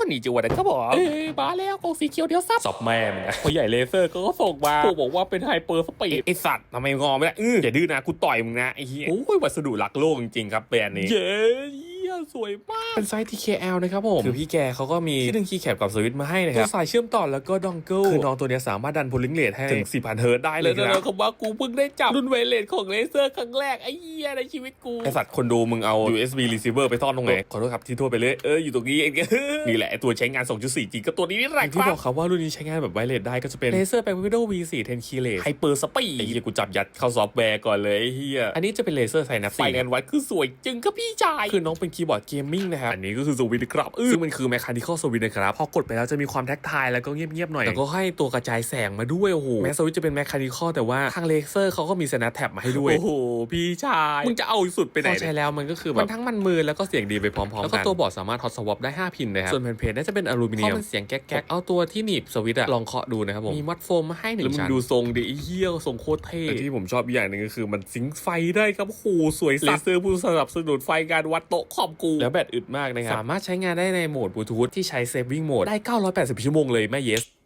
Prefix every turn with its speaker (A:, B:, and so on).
A: คนนี้จังหวะนะครับผมมาแล้วกองสีเขียวเดี๋ยวซับแม่มึงนะพอใหญ่เลเซอร์ก็ส่งมาบอกว่าเป็นไฮเปอร์สปีดไอสัตว์ทำไมงอไม่ได้อย่าดื้อนะกูต่อยมึงนะไอ้เหี้ยโอ้ยวัสดุหลักโลกจริงๆครับแบรนด์นี้เย้สวยมากเป็นไซส์ TKL นะครับผมคือพี่แกเขาก็มีที่ดึงคีย์แคปกับสวิตช์มาให้นะครับสายเชื่อมต่อแล้วก็ดองเกิลคือน้องตัวนี้สามารถดันโพลิงเรทให้ถึง 4,000 เฮิร์ตได้เลยนะเขาว่ากูเพิ่งได้จับรุ่นไวเลสของเลเซอร์ครั้งแรกไอ้เหี้ยในชีวิตกูไอสัตว์คนดูมึงเอา USB receiver ไปซ่อนตรงไหนขอโทษครับที่โทษไปเลยอยู่ตรงนี้เองนี่แหละตัวใช้งาน 2.4 จริงก็ตัวนี้นี่แหละที่บอกครับว่ารุ่นนี้ใช้งานแบบไวเลสได้ก็จะเป็น Razer Packwido V4 10 Keyless Hyper Speed ไอ้เหี้ยกูจับยัดเข้าซอฟต์แวร์ก่อนเลยไอ้เหี้ยอันนี้จะเป็น Razer Synapse ไฟงานวัดคือสวยจึงครับพี่ชายคือน้องเป็นคีย์บอร์ดเกมมิ่งนะครับอันนี้ก็คือสวิตช์ครับซึ่งมันคือ Mechanical Switch นะครับพอกดไปแล้วจะมีความแท็กทายแล้วก็เงียบๆหน่อยแล้วก็ให้ตัวกระจายแสงมาด้วยโอ้โหแม้สวิตช์จะเป็น Mechanical แต่ว่าทาง Razer เขาก็มี Snap Tab มาให้ด้วยโอ้โหพี่ชายมึงจะเอาสุดไปไหนพอใช้แล้วมันก็คือแบบมันทั้งมันมือแล้วก็เสียงดีไปพร้อมๆกันแล้วก็ตัวบอร์ดสามารถ Hot Swap ได้5พินนะครับส่วนแผ่นเพจน่าจะเป็นอลูมิเนียมเพราะมันเสียงแก๊กๆเอาตัวที่หนีบสวิตช์ลองเคาะดูนะครับผมมีมัดโฟมมาให้1ชั้นแล้วมึงดูทรงดิเหี้ยทรงโคตรเท่ที่ผมชอบอย่างนึงก็คือมันซิงค์ไฟได้ครับโหสวยสัส Razer ผู้สนับสนุนไฟการวัดโต๊ะคอมกูแล้วแบตอึดมากนะครับสามารถใช้งานได้ในโหมดบลูทูธที่ใช้ Saving Mode ได้980ชั่วโมงเลยแม่เยส